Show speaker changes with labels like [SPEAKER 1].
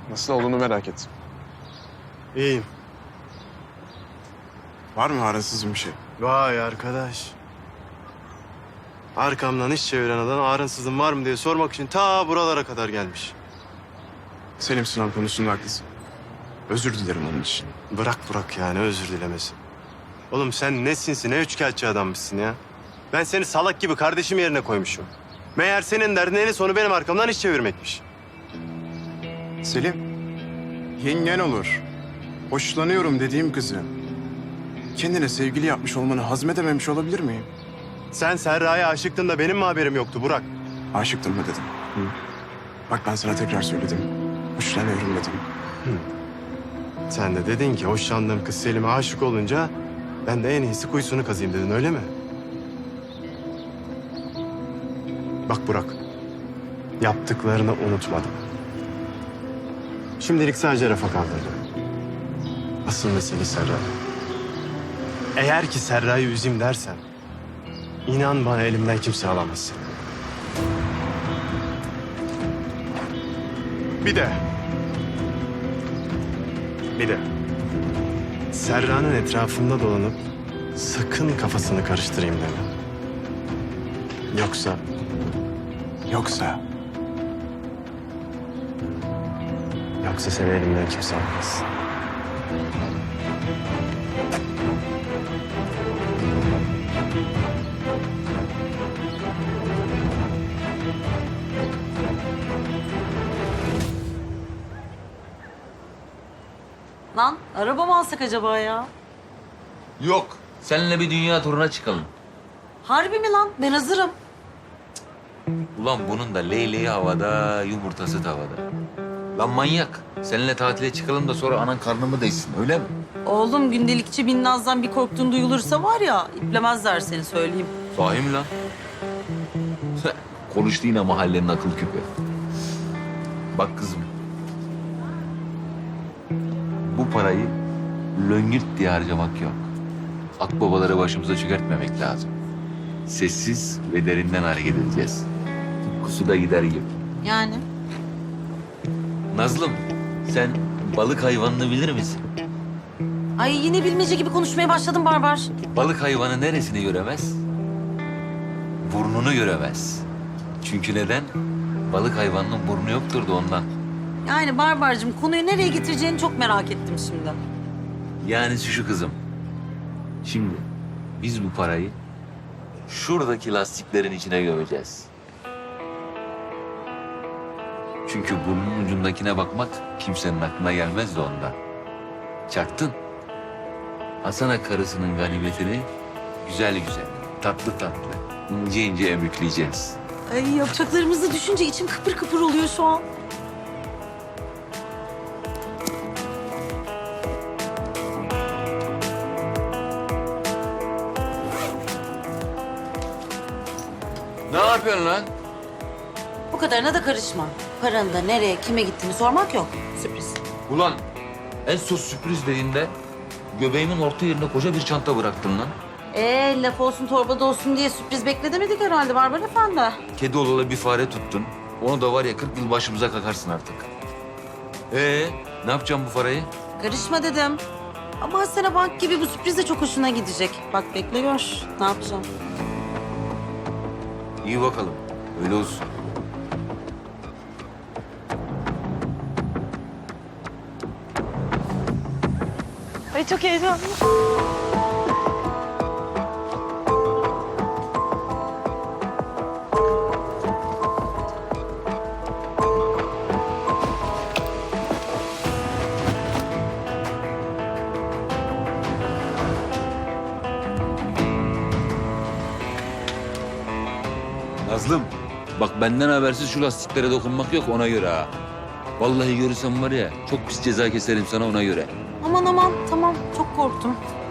[SPEAKER 1] Nasıl olduğunu merak ettim.
[SPEAKER 2] İyiyim.
[SPEAKER 1] Var mı arasız bir şey?
[SPEAKER 2] Vay arkadaş. Arkamdan iş çeviren adam ağrınsızın var mı diye sormak için ta buralara kadar gelmiş.
[SPEAKER 1] Selim sınav konusunda haklısın. Özür dilerim onun için.
[SPEAKER 2] Bırak Burak yani özür dilemesi. Oğlum sen ne sinsi ne üçkağıtçı adammışsın ya. Ben seni salak gibi kardeşim yerine koymuşum. Meğer senin derdin en sonu benim arkamdan iş çevirmekmiş.
[SPEAKER 1] Selim, yengen olur. Hoşlanıyorum dediğim kızı. Kendine sevgili yapmış olmanı hazmedememiş olabilir miyim?
[SPEAKER 2] Sen Serra'ya aşıktın da benim mi haberim yoktu Burak?
[SPEAKER 1] Aşıktım mı dedim. Bak ben sana tekrar söyledim. Hoşlanıyorum dedim.
[SPEAKER 2] Sen de dedin ki hoşlandığım kız Selim'e aşık olunca ben de en iyisi kuyusunu kazıyım dedin öyle mi? Bak Burak, yaptıklarını unutmadım. Şimdilik sadece rafa kaldırdım. Asıl mesele Serra. Eğer ki Serra'yı üzeyim dersen, inan bana elimden kimse alamaz. Bir de Serra'nın etrafında dolanıp sakın kafasını karıştırayım deme.
[SPEAKER 1] Yoksa
[SPEAKER 2] Yoksa seni elimden kimse almaz.
[SPEAKER 3] Lan araba mı alsak acaba ya?
[SPEAKER 4] Yok. Seninle bir dünya turuna çıkalım.
[SPEAKER 3] Harbi mi lan? Ben hazırım.
[SPEAKER 4] Ulan bunun da leyleği havada, yumurtası tavada. Lan manyak. Seninle tatile çıkalım da sonra anan karnımı değsin, öyle mi?
[SPEAKER 3] Oğlum gündelikçi Binnaz'dan bir korktuğun duyulursa var ya iplemezler seni söyleyeyim.
[SPEAKER 4] Sahi mi lan? Konuştu yine mahallenin akıl küpü. Bak kızım. Bu parayı löngürt diye harcamak yok. Akbabaları başımıza çökertmemek lazım. Sessiz ve derinden hareket edeceğiz. Tıpkı da gider gibi.
[SPEAKER 3] Yani?
[SPEAKER 4] Nazlım, sen balık hayvanını bilir misin?
[SPEAKER 3] Ay yine bilmece gibi konuşmaya başladın Barbar.
[SPEAKER 4] Balık hayvanı neresini göremez? Burnunu göremez. Çünkü neden? Balık hayvanının burnu yoktur da ondan.
[SPEAKER 3] Yani Barbar'cığım konuyu nereye getireceğini çok merak ettim şimdi.
[SPEAKER 4] Yani şu kızım. Şimdi biz bu parayı şuradaki lastiklerin içine gömeceğiz. Çünkü burnun ucundakine bakmak kimsenin aklına gelmez de ondan. Çaktın. Hasan'a karısının ganimetini güzel güzel, tatlı tatlı, ince ince emükleyeceğiz.
[SPEAKER 3] Ay yapacaklarımızı düşünce içim kıpır kıpır oluyor şu an.
[SPEAKER 4] Ne yapıyorsun lan?
[SPEAKER 3] Bu kadarına da karışma. Paranın da nereye, kime gittiğini sormak yok. Sürpriz.
[SPEAKER 4] Ulan en son sürpriz dediğinde göbeğimin orta yerine koca bir çanta bıraktın lan.
[SPEAKER 3] Laf olsun torbada olsun diye sürpriz bekledemedik herhalde Barbar Efendi.
[SPEAKER 4] Kedi olalı bir fare tuttun. Onu da var ya 40 yıl başımıza kakarsın artık. Ne yapacağım bu parayı?
[SPEAKER 3] Karışma dedim. Ama Asena Bank gibi bu sürpriz de çok hoşuna gidecek. Bak bekle gör. Ne yapacağım?
[SPEAKER 4] İyi bakalım. Öyle olsun.
[SPEAKER 3] Ay çok heyecanlı.
[SPEAKER 4] Nazlım, bak benden habersiz şu lastiklere dokunmak yok ona göre ha. Vallahi görürsem var ya çok pis ceza keserim sana ona göre.
[SPEAKER 3] Aman aman tamam çok korktum.